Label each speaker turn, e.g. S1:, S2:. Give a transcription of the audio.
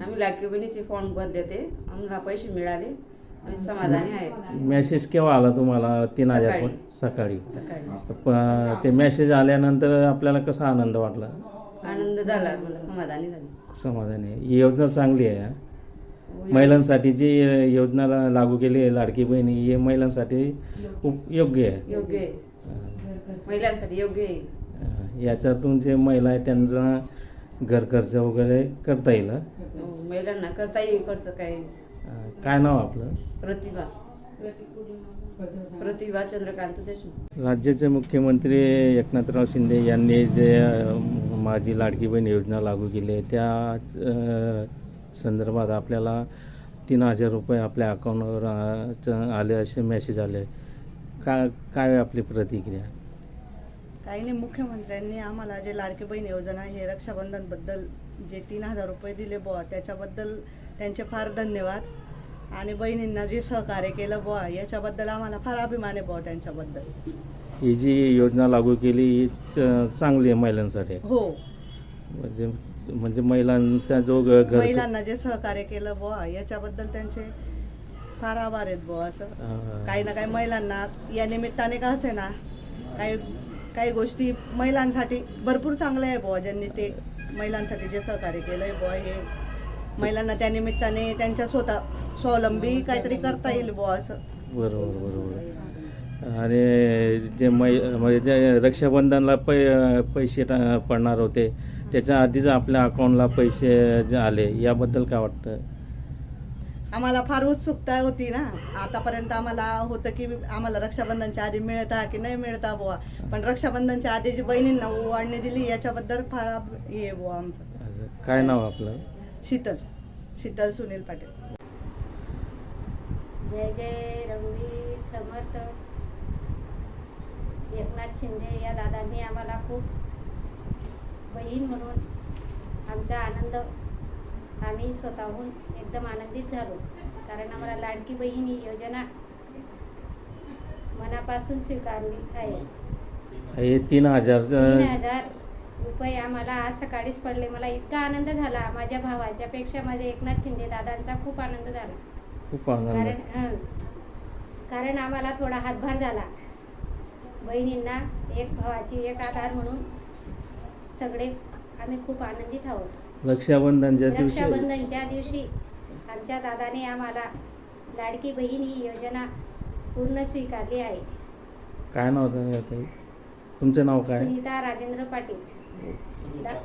S1: आम्ही लाडकी बहिणीचे फॉर्म भरले ते, आम्हाला पैसे मिळाले, आम्ही समाधानी आहेत.
S2: मेसेज केव्हा आला तुम्हाला 3000 सकाळी? ते मेसेज आल्यानंतर आपल्याला कसा आनंद वाटला?
S1: आनंद झाला, मला समाधानी झाली.
S2: समाधानी आहे. ही योजना चांगली आहे. महिलांसाठी जी योजना लागू केली आहे लाडकी बहिणी, ही महिलांसाठी खूप योग्य आहे.
S1: योग्य आहे, महिलांसाठी योग्य आहे.
S2: याच्यातून जे महिला आहे त्यांना घर खर्च वगैरे करता येईल.
S1: महिलांना करता येईल खर्च.
S2: काय नाव आपलं?
S1: प्रतिभा चंद्रकांत देशमुख.
S2: राज्याचे मुख्यमंत्री एकनाथराव शिंदे यांनी जे माझी लाडकी बहीण योजना लागू केली आहे त्या संदर्भात आपल्याला 3000 रुपये आपल्या अकाउंटवर आले असे मेसेज आले. काय आपली प्रतिक्रिया?
S3: काही नाही, मुख्यमंत्र्यांनी आम्हाला जे लाडकी बहीण योजना हे रक्षाबंधनबद्दल जे 3000 रुपये दिले बुवा, त्याच्याबद्दल त्यांचे फार धन्यवाद. आणि बहिणींना जे सहकार्य केलं बुवा, याच्याबद्दल आम्हाला फार अभिमान आहे बुवा त्यांच्याबद्दल.
S2: ही जी योजना लागू केली ही चांगली आहे महिलांसाठी.
S3: हो,
S2: म्हणजे महिलांचा जो
S3: महिलांना जे सहकार्य केलं बुवा, याच्याबद्दल त्यांचे फार आभार आहेत बुवा. असं काही ना काही महिलांना या निमित्ताने का असे ना, काही गोष्टी महिलांसाठी भरपूर चांगल्या आहे बुवा. ज्यांनी ते महिलांसाठी जे सहकार्य केलं आहे बुवा, हे महिलांना त्या निमित्ताने त्यांच्या स्वतः स्वावलंबी काहीतरी करता येईल बुवा असं.
S2: बरोबर. आणि जे म्हणजे जे रक्षाबंधनला पैसे पडणार होते त्याच्या आधीच आपल्या अकाउंटला पैसे जे आले, याबद्दल काय वाटतं?
S3: आम्हाला फार उत्सुकता होती ना. आतापर्यंत आम्हाला होतं की आम्हाला रक्षाबंधनच्या आधी मिळता की नाही मिळता बुवा, पण रक्षाबंधनच्या आधी जी बहिणींना ओवाळणी दिली याच्याबद्दल फार हे बुवा आमचं.
S2: काय नाव आपलं?
S3: शीतल सुनील पाटील.
S4: जय जय रघुवीर समर्थ. एकनाथ शिंदे या दादांनी आम्हाला खूप बहीण म्हणून आमचा आनंद, आम्ही स्वतःहून एकदम आनंदित झालो. कारण आम्हाला लाडकी बहीण ही योजना मनापासून स्वीकारली आहे.
S2: हे 3000
S4: रुपये आम्हाला आज सकाळीच पडले. मला इतका आनंद झाला, माझ्या भावाच्या पेक्षा माझ्या एकनाथ शिंदे दादांचा खूप आनंद झाला.
S2: खूप आनंद.
S4: कारण आम्हाला थोडा हातभार झाला. बहिणींना एक भावाची एक आधार म्हणून सगळे आम्ही खूप आनंदित आहोत.
S2: रक्षाबंधनच्या
S4: दिवशी आमच्या दादाने आम्हाला लाडकी बहीण ही योजना पूर्ण स्वीकारली आहे.
S2: काय नाव ताई? तुमचं नाव काय?
S4: सुनीता राजेंद्र पाटील.